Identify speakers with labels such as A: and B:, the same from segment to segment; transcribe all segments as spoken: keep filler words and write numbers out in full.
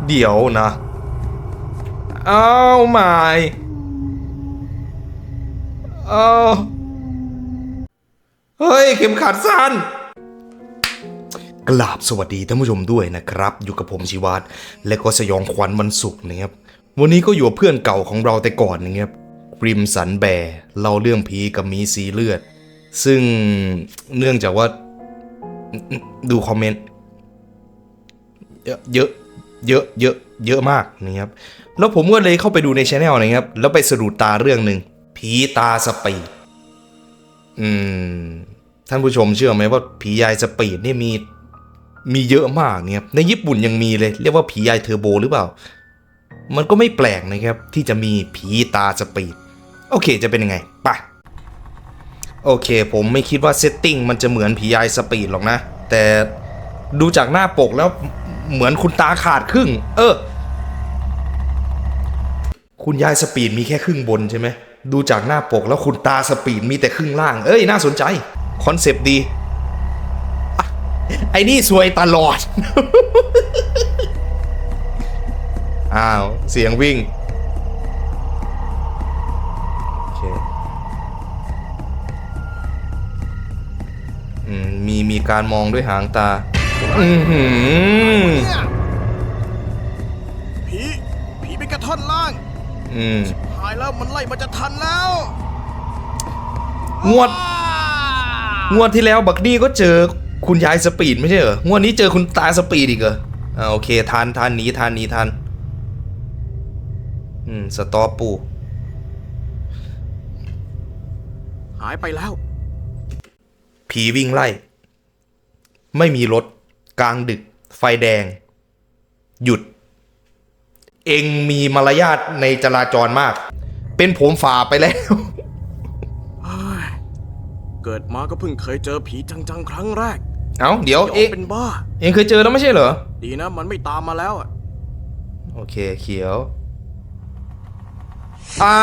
A: เดี๋ยวนะอ้าวไม่อ้าวเฮ้ยเข็มขัดสั้นกราบสวัสดีท่านผู้ชมด้วยนะครับอยู่กับผมชิวัตและก็สยองขวัญวันศุกร์นะครับวันนี้ก็อยู่กับเพื่อนเก่าของเราแต่ก่อนนะครับริมสันแบร์เล่าเรื่องผีกับมีสีเลือดซึ่งเนื่องจากว่าดูคอมเมนต์เยอะเยอะเยอะเยอะเยอะมากนะครับแล้วผมก็เลยเข้าไปดูในช anel นะครับแล้วไปสะดุดตาเรื่องหนึ่งผีตาสปีดอืมท่านผู้ชมเชื่อไหมว่าผียายสปีดนี่มีมีเยอะมากเนี่ยในญี่ปุ่นยังมีเลยเรียกว่าผียายเทอร์โบหรือเปล่ามันก็ไม่แปลกนะครับที่จะมีผีตาสปีดโอเคจะเป็นยังไงไปโอเคผมไม่คิดว่าเซตติ้งมันจะเหมือนผียายสปีดหรอกนะแต่ดูจากหน้าปกแล้วเหมือนคุณตาขาดครึ่งเออคุณยายสปีดมีแค่ครึ่งบนใช่ไหมดูจากหน้าปกแล้วคุณตาสปีดมีแต่ครึ่งล่างเอ้ยน่าสนใจคอนเซปต์ดีไอ้นี่ซวยตลอด อ้าวเสียงวิ่งโอเคอืมมีมีการมองด้วยหางตาอือหือ
B: ผีผีเป็นกระท่อนล่าง
A: อืม
B: หายแล้วมันไล่มันจะทันแล้ว
A: งวดงวดที่แล้วบักนี่ก็เจอคุณยายสปีดไม่ใช่เหรองวดนี้เจอคุณตาสปีดอีกเหรออ่าโอเคทันทันหนีทันหนีทันอืมสตอปปู
B: หายไปแล้ว
A: ผีวิ่งไล่ไม่มีรถกลางดึกไฟแดงหยุดเองมีมารยาทในจราจรมากเป็นผมฝ่าไปแล้ว
B: เกิดมาก็เพิ่งเคยเจอผีจังๆครั้งแรก
A: เอ้าเดี๋ยวเอง
B: เป็นบ้า
A: เองเคยเจอแล้วไม่ใช่เหรอ
B: ดีนะมันไม่ตามมาแล้วอ่ะ
A: โอเคเขียวอ่า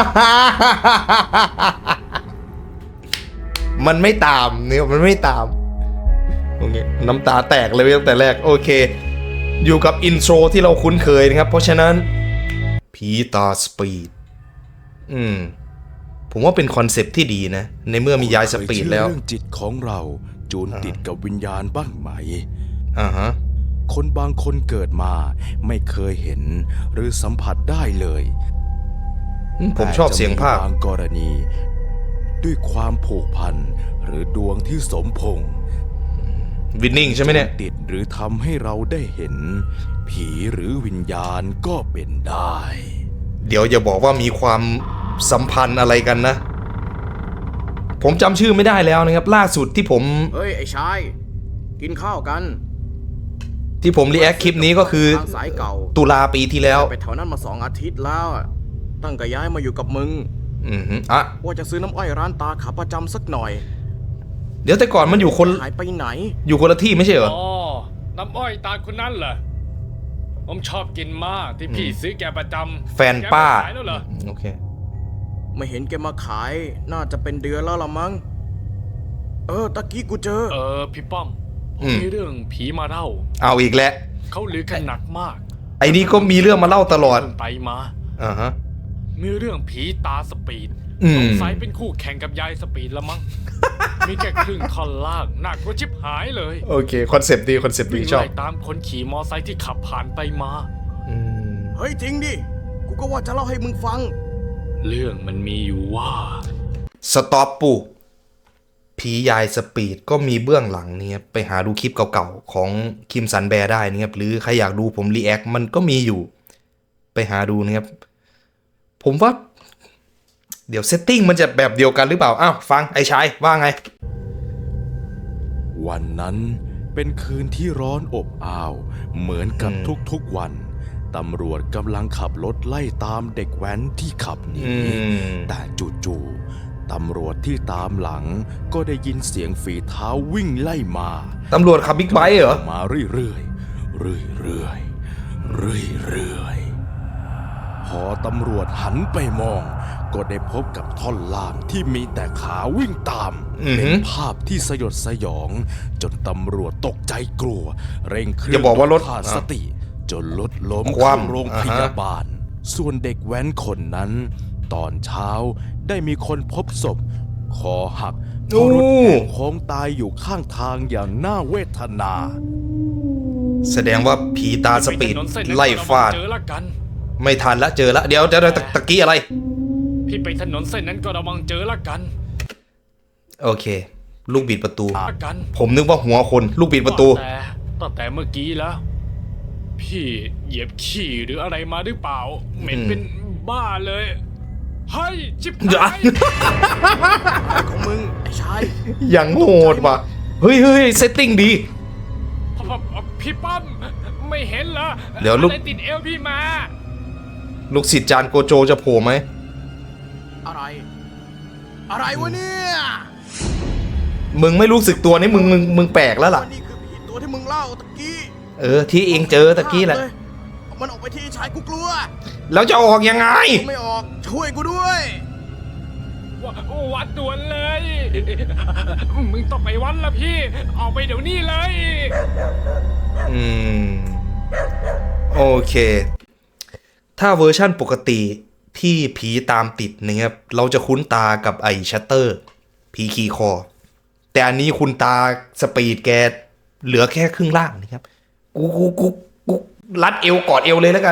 A: มันไม่ตามเนี่ยมันไม่ตามโอเคน้ำตาแตกเลยตั้งแต่แรกโอเคอยู่กับอินโทรที่เราคุ้นเคยนะครับเพราะฉะนั้นผีตาสปีดอืมผมว่าเป็นคอนเซปต์ที่ดีนะในเมื่อมียายสปีดแล้ว
C: เรื่องจิตของเราจูนติดกับวิญญาณบ้างไหม
A: อ่าฮะ
C: คนบางคนเกิดมาไม่เคยเห็นหรือสัมผัสได้เลย
A: ผมชอบเสียงภาค
C: บางกรณีด้วยความผูกพันหรือดวงที่สมพงษ์
A: วินนิ่งใช่ไหมเนี่ย
C: ติดหรือทำให้เราได้เห็นผีหรือวิญญาณก็เป็นได้
A: เดี๋ยวอย่าบอกว่ามีความสัมพันธ์อะไรกันนะผมจำชื่อไม่ได้แล้วนะครับล่าสุดที่ผม
B: เฮ้ยไอ้ชายกินข้าวกัน
A: ที่ผมรีแอคคลิปนี้ก็คือ
B: สายเก่า
A: ตุลาปีที่แล้ว
B: ไปแถวนั้นมาสองอาทิตย์แล้วตั้งแต่ย้ายมาอยู่กับมึง
A: อือฮึอ่ะ
B: ว่าจะซื้อน้ำอ้อยร้านตาขาประจำสักหน่อย
A: เดี๋ยวแต่ก่อนมันอยู่คน
B: หายไปไหน
A: อยู่คนละที่ไม่ใช่เหรอ
D: อ๋อน้ำอ้อยตาคนนั้นเหรอผมชอบกินมากที่พี่ซื้อแกประจำ
A: แฟนป้า
D: ขายแล้วเหรอ
A: โอเค
B: ไม่เห็นแกมาขายน่าจะเป็นเดือนแล้วละมั้งเออตะกี้กูเจอ
D: เออพี่ป้อมผมมีเรื่องผีมาเล่า
A: เอาอีกแล้ว
D: เขาลือกันหนักมาก
A: ไอ้นี่ก็มีเรื่องมาเล่าตลอด
D: ไปมา
A: อ่าฮะ
D: มีเรื่องผีตาสปีดสงสัยเป็นคู่แข่งกับยายสปีดละมั้งมีแค่ครึ่งท่อนล่างหนักกว่าชิบหายเลย
A: โอเคคอนเซปต์ดีคอนเซปต์ดีชอบ
D: ตามคนขี่มอไซค์ที่ขับผ่านไปมา
B: เฮ้ยจริงดิกูก็ว่าจะเล่าให้มึงฟัง
D: เรื่องมันมีอยู่ว่า
A: สต็อปปูผียายสปีดก็มีเบื้องหลังเนี่ยไปหาดูคลิปเก่าๆของคิมสันแบร์ได้นะครับหรือใครอยากดูผมรีแอคมันก็มีอยู่ไปหาดูนะครับผมว่าเดี๋ยวเซตติ้งมันจะแบบเดียวกันหรือเปล่าอ้าวฟังไอ้ชายว่าไง
C: วันนั้นเป็นคืนที่ร้อนอบอ้าวเหมือนกับทุกๆวันตำรวจกำลังขับรถไล่ตามเด็กแว้นที่ขับหนีแต่จู่ๆตำรวจที่ตามหลังก็ได้ยินเสียงฝีเท้าวิ่งไล่มา
A: ตำรวจขับบิ๊กไบค์เหรอ
C: มาเรื่อยๆเรื่อยๆเรื่อยๆพอตำรวจหันไปมองก็ได้พบกับท่อนล่างที่มีแต่ขาวิ่งตามเป็นภาพที่สยดสยองจนตำรวจตกใจกลัวเร่งเครื่อง
A: อย่าบอกว่ารถ
C: ขาดสติจนรถล้ม
A: คว่ำ
C: เข้าโรงพยาบาล ส่วนเด็กแว้นคนนั้น ตอนเช้าได้มีคนพบศพคอหักเพราะรถแหกโค้งตายอยู่ข้างทางอย่างน่าเวทนา
A: แสดงว่าผีตาสปีด
D: ถนนเส้นนั้น
A: ไล่ฟาด
D: ก็ระวังเจอละกัน
A: ไม่ทันละเจอละเดี๋ยวเดี๋ยวเดี๋ยวตะตะกี้อะไร
D: พี่ไปถนนเส้นนั้นก็ระวังเจอละกัน
A: โอเค ลูกบิดประตู
D: ละกัน
A: ผมนึกว่าหัวคนลูกบิดประตู
D: แต่ตั้งแต่เมื่อกี้แล้ว พี่เหยียบขี้หรืออะไรมาหรือเปล่า เหม็นเป็นบ้าเลยเฮ้ยชิบ
A: เดี๋ยว
D: หาย
B: อะไรของมึง ไอ้ชาย
A: อย่างโหดว่ะเฮ้ยเฮ้ยเซตติ้งดี
D: พี่ป้อมไม่เห็นเหรอ
A: เดี๋ยวลูก
D: อะไรติดเอวพี่มา
A: ลูกศิษย์จานโกโจจะโผล่ไหม
B: อะไร อะไรวะเนี่ย
A: มึงไม่รู้สึกตัวนี่มึงมึงมึงแปลกแล้วล่ะ
B: ว่านี่คือผีตัวที่มึงเล่าตะกี้
A: เออที่เองเจอตะกี้แหละ
B: เอามันออกไปที่ชายกูกลัว
A: แล้วจะออกยังไง
B: กูไม่ออก ช่วยกูด้วย
D: ววัดด่วนเลย มึงต้องไปวัดละพี่ ออกไปเดี๋ยวนี้เลย
A: อืม โอเค ถ้าเวอร์ชั่นปกติที่ผีตามติดนะครับเราจะคุ้นตากับไอ้ชัตเตอร์ ผีขี่คอ แต่อันนี้คุณตาสปีดแกเหลือแค่ครึ่งล่างนะครับ กูกูกูกูรัดเอวกอดเอวเลยแล้วกัน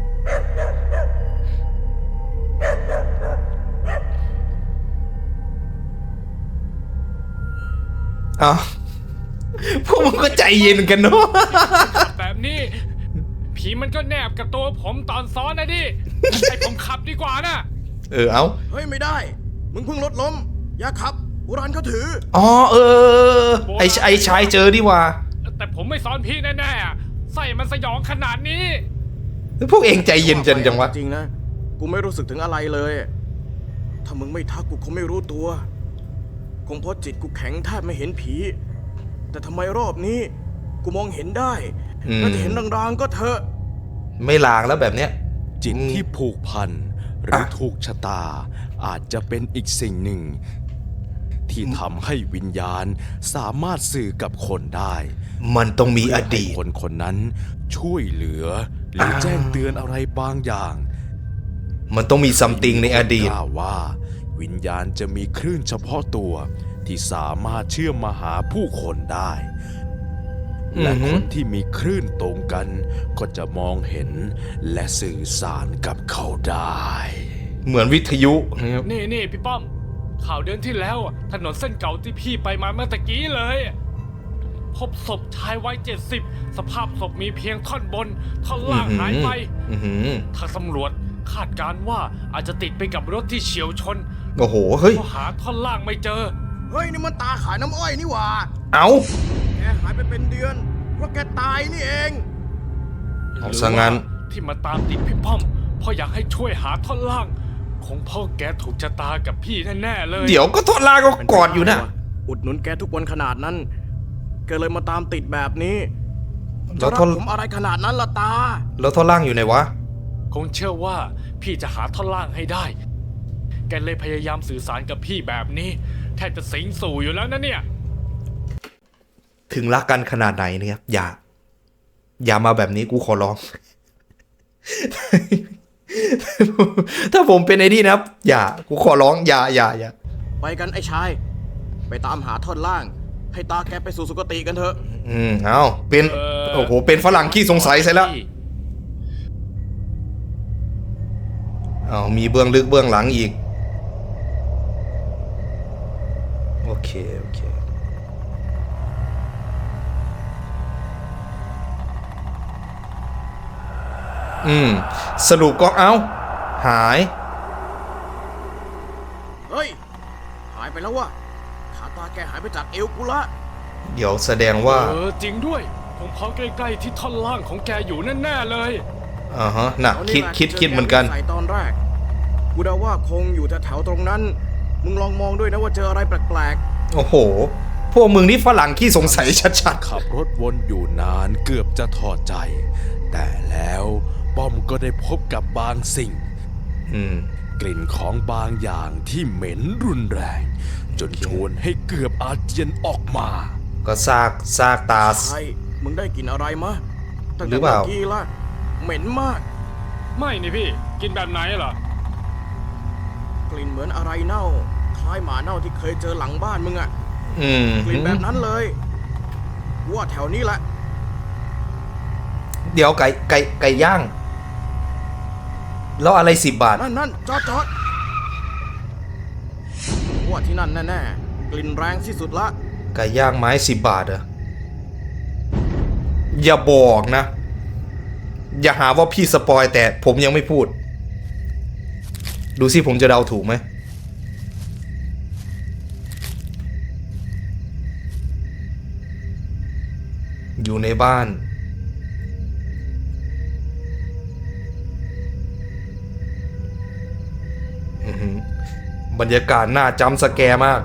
A: อ้าวพวกมึงก็ใจเย็นกันเนาะ
D: แบบนี้ ผีมันก็แนบกับตัวผมตอนซ้อนนะดิ ให้ผมขับดีกว่านะ
A: เออเอา
B: เฮ้ยไม่ได้ มึงเพิ่งรถล้ม อย่าขับโบราณเขาถือ
A: อ๋อเออไอไอชายเจอดีว่า
D: แต่ผมไม่ซ้อนพี่แน่ๆอะใส่มันสยองขนาดนี้
A: พวกเองใจเย็นจังจังวะ
B: จริงนะ กูไม่รู้สึกถึงอะไรเลย ถ้ามึงไม่ทักกูคงไม่รู้ตัว คงเพราะจิตกูแข็งแทบไม่เห็นผี แต่ทำไมรอบนี้ กูมองเห็นได้
A: อืม
B: ถ้าจะเห็นรางๆก็เถอะ
A: ไม่ลางแล้วแบบเนี้ย
C: จิต
A: อืม
C: ที่ผูกพันหรือ
A: อ่ะ
C: ถูกชะตา อาจจะเป็นอีกสิ่งหนึ่ง ที่ทำให้วิญญาณสามารถสื่อกับคนได้
A: มันต้องมีอดีต
C: เพื่ให้คนคนนั้นช่วยเหลือ หรือแจ้งเตือนอะไรบางอย่าง
A: มันต้องมีซัมติงในอดีต
C: กล่าวว่า วิญญาณจะมีคลื่นเฉพาะตัวที่สามารถเชื่อมมาหาผู้คนได้ และ
A: อือหื
C: ค
A: อ
C: นที่มีคลื่นตรงกัน ก็จะมองเห็นและสื่อสารกับเขาได้
A: เหมือนวิทยุนะครับ
D: นี่นี่พี่ป้อม ข่าวเดือนที่แล้วอะถนนเส้นเก่าที่พี่ไปมาเมื่อตะกี้เลย พบศพชายวัยเจ็ดสิบสภาพศพมีเพียงท่อนบน ท่อนล่างหายไป
A: อื้อหือ
D: ทางตำรวจคาดการณ์ว่าอาจจะติดไปกับรถที่เฉียวชน
A: โอ้โห เฮ้ย
D: เพราะหาท่อนล่างไม่เจอ
B: เฮ้ย นี่มันตาขายน้ำอ้อยนี่หว่า
A: เอา
B: แกหายไปเป็นเดือน เพราะแกตายนี่เอง
A: เอาซะงั้น
D: หรือว่าที่มาตามติดพี่ป้อมเพราะอยากให้ช่วยหาท่อนล่าง คงพ่อแกถูกชะตากับพี่แน่ๆเลย
A: เดี๋ยวก็ทอดลาก็กอดอยู่นะ
B: อุดหนุนแกทุกวันขนาดนั้น แกเลยมาตามติดแบบนี้
A: แล้
B: จะ
A: ว
B: รั
A: ท่อน
B: กผมอะไรขนาดนั้นล่ะตา
A: แล้วทอดล่างอยู่ไหนวะ
D: คงเชื่อว่าพี่จะหาท่อนล่างให้ได้ แกเลยพยายามสื่อสารกับพี่แบบนี้ แทบจะสิงสู่อยู่แล้วนะเนี่ย
A: ถึงรักกันขนาดไหนเนี่ยอย่า อย่ามาแบบนี้กูขอร้อง ถ้าผมเป็นไอ้นี่นะครับ อย่า กูขอร้อง อย่าอย่าอย่า
B: ไปกันไอ้ชาย ไปตามหาท่อนล่าง ให้ตาแกไปสู่สุคติกันเถอะ
A: อืมเอาเป็น
D: เอ่อ
A: โอ้โห เป็นฝรั่งขี้สงสัยใช่แล้ว เอามีเบื้องลึกเบื้องหลังอีก โอเค โอเค อืม สรุปก็เอ้า หาย
B: เฮ้ย หายไปแล้ววะขาตาแกหายไปจากเอวกูละ
A: เดี๋ยวแสดงว่า
D: เออจริงด้วย ผมเพาะใกล้ๆที่ท่อนล่างของแกอยู่แน่ๆเลย
A: อ่าฮะ น่ะ
B: เอา
A: คิด
B: แหละ
A: คิด
B: จ
A: คิดเหมือนกัน
B: ใส่ตอนแรก กูเดาว่าคงอยู่แถวๆตรงนั้น มึงลองมองด้วยนะว่าเจออะไรแปลก
A: โอ้โห พวกมึงนี่ฝรั่งขี้สงสัยชัด
C: ขับรถวนอยู่นานเกือบจะถอดใจ แต่แล้วป้อมก็ได้พบกับบางสิ่ง
A: ๆ อืม
C: กลิ่นของบางอย่างที่เหม็นรุนแรง จนชวนให้เกือบอาเจียนออกมา
A: ก็ซากซากตา
B: ๆใช่มึงได้กลินอะไรมะตั้ง
A: หรื
B: แต่
A: อเปล่า
B: เมื่อกี้ละเหม็นมาก
D: ไม่นี่พี่ กินแบบไหนเหรอ
B: กลิ่นเหมือนอะไรเน่า คล้ายหมาเน่าที่เคยเจอหลังบ้านมึงอะ
A: อืม
B: กลิ่นแบบนั้นเลยว่าแถวนี้แหละ
A: เดี๋ยวไก่ไก่ไก่ย่าง แล้วอะไรสิบบาท
B: นั่นนั่นจอดจอดว่าที่นั่นแน่ๆกลิ่นแรงที่สุดละ
A: ไก่ย่างไม้สิบบาทเหรออย่าบอกนะ อย่าหาว่าพี่สปอยแต่ผมยังไม่พูด ดูสิผมจะเดาถูกไหม อยู่ในบ้าน อื้อหือบรรยากาศน่าจำสแกร์มาก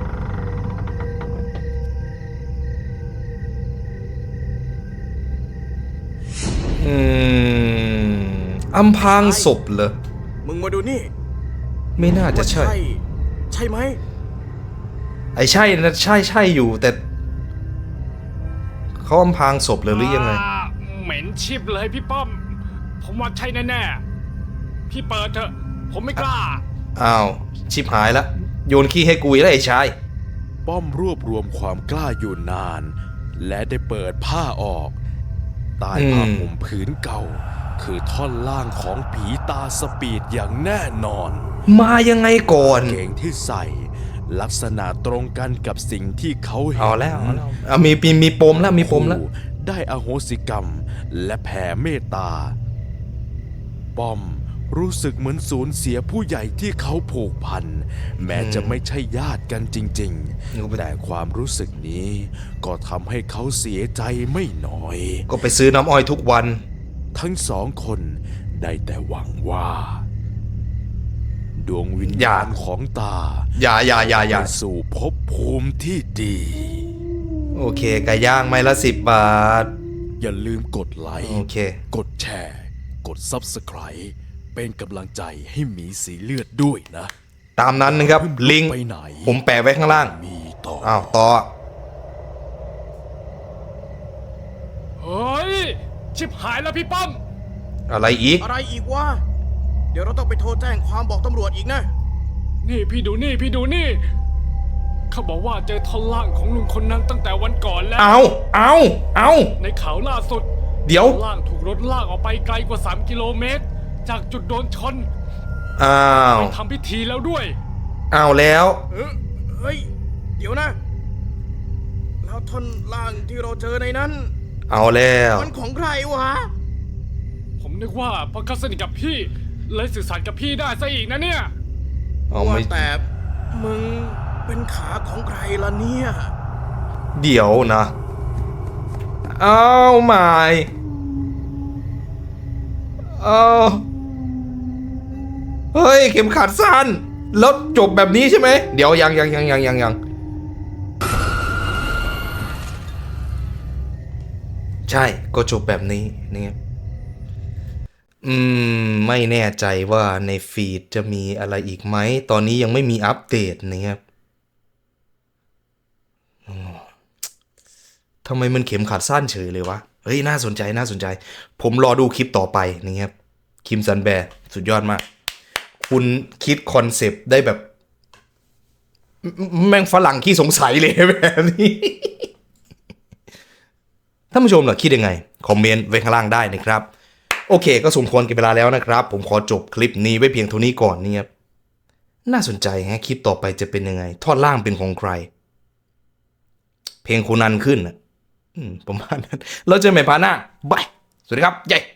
A: อืมอำพรางศพเหรอ
B: มึงมาดูนี่
A: ไม่น่าจะ
B: ว่า
A: ใช่
B: ใช่ไหม
A: ไอ้ใช่นะใช่ใช่อยู่แต่เขาอำพรางศพเลยหรือยังไง
D: อ่าเหม็นชิบเลยพี่ป้อม ผมว่าใช่แน่ๆ พี่เปิดเถอะ ผมไม่กล้า
A: อ้าว ชิบหายละโยนขี้ให้กูอีกแล้วไอ้ชาย
C: ป้อมรวบรวมความกล้าอยู่นาน และได้เปิดผ้าออกใต้ผ้า
A: อืม
C: ห่มผืนเก่า คือท่อนล่างของผีตาสปีดอย่างแน่นอน
A: มายังไงก่อน
C: เกงที่ใส่ลักษณะตรงกันกับสิ่งที่เขาเห็น
A: เอาแล้วเอาแล้วเอามีมีมีปมแล้วมีปมแล้ว
C: คู่ได้อโหสิกรรมและแผ่เมตตา ป้อมรู้สึกเหมือนสูญเสียผู้ใหญ่ที่เขาผูกพัน แม้จะไม่ใช่ญาติกันจริงๆ แต่ความรู้สึกนี้ก็ทำให้เขาเสียใจไม่น้อย
A: ก็ไปซื้อน้ำอ้อยทุกวัน
C: ทั้งสองคนได้แต่หวังว่า ดวงวิญ
A: อย่า
C: ญาณของตา
A: อย่าอย่าอย่าอย่า
C: ไปสู่ภพภูมิที่ดี
A: โอเคไก่ย่างไม้ละสิบบาท
C: อย่าลืมกดไลค์
A: โอเค
C: กดแชร์ กด Subscribe เป็นกำลังใจให้หมีสีเลือดด้วยนะ
A: ตามนั้นนะครับ ลิงก์
C: ไปไหน
A: ผมแปะไว้ข้างล่าง
C: มีต่อ
A: อ้าว ต่อ
D: เฮ้ย ชิบหายแล้วพี่ป้อม
A: อะไรอีก
B: อะไรอีกวะ เดี๋ยวเราต้องไปโทรแจ้งความบอกตำรวจอีกนะ
D: นี่พี่ดูนี่พี่ดูนี่ เขาบอกว่าเจอท่อนล่างของลุงคนนั้นตั้งแต่วันก่อนแล้ว
A: เอาเอาเอา
D: ในข่าวล่าสุด
A: เดี๋ยว
D: ท่อนล่างถูกรถลากออกไปไกลกว่า สาม กิโลเมตร จากจุดโดนชน
A: อ้าว
D: ไปทำพิธีแล้วด้วย
A: เอาแล้ว
B: เออเฮ้ย เดี๋ยวนะ แล้วท่อนล่างที่เราเจอในนั้น
A: เอาแล้ว
B: มันของใครวะ
D: ผมนึกว่าเพราะเขาสนิทกับพี่ เลยสื่อสารกับพี่ได้ซะอีกนะเนี่ย
A: เอา
B: ว่า
A: ไม่
B: แต่มึงเป็นขาของใครล่ะเนี่ย
A: เดี๋ยวนะ เอาใหม่เอาเฮ้ย เข็มขัดสั้น แล้วจบแบบนี้ใช่ไหม เดี๋ยวยังยังยังยังยังยังใช่ ก็จบแบบนี้นี่อืม ไม่แน่ใจว่าในฟีดจะมีอะไรอีกไหม ตอนนี้ยังไม่มีอัปเดตนะครับอ๋อทำไมมันเข็มขัดสั้นเฉยเลยวะ เฮ้ย น่าสนใจน่าสนใจ ผมรอดูคลิปต่อไปนะครับ คิมซันแบร์สุดยอดมาก คุณคิดคอนเซปต์ได้แบบ แม่งฝรั่งขี้สงสัยเลยแบบนี้ ท่านผู้ชมล่ะคิดยังไง คอมเมนต์ไว้ข้างล่างได้นะครับ โอเค ก็สมควรกับเวลาแล้วนะครับ ผมขอจบคลิปนี้ไว้เพียงเท่านี้ก่อนเนี่ยครับน่าสนใจฮะคลิปต่อไปจะเป็นยังไง ทอดล่างเป็นของใคร เพลงโคนันขึ้นอ่ะอืมประมาณนั้นเราเจอกันใหม่พาร์ทหน้าบาย สวัสดีครับเย้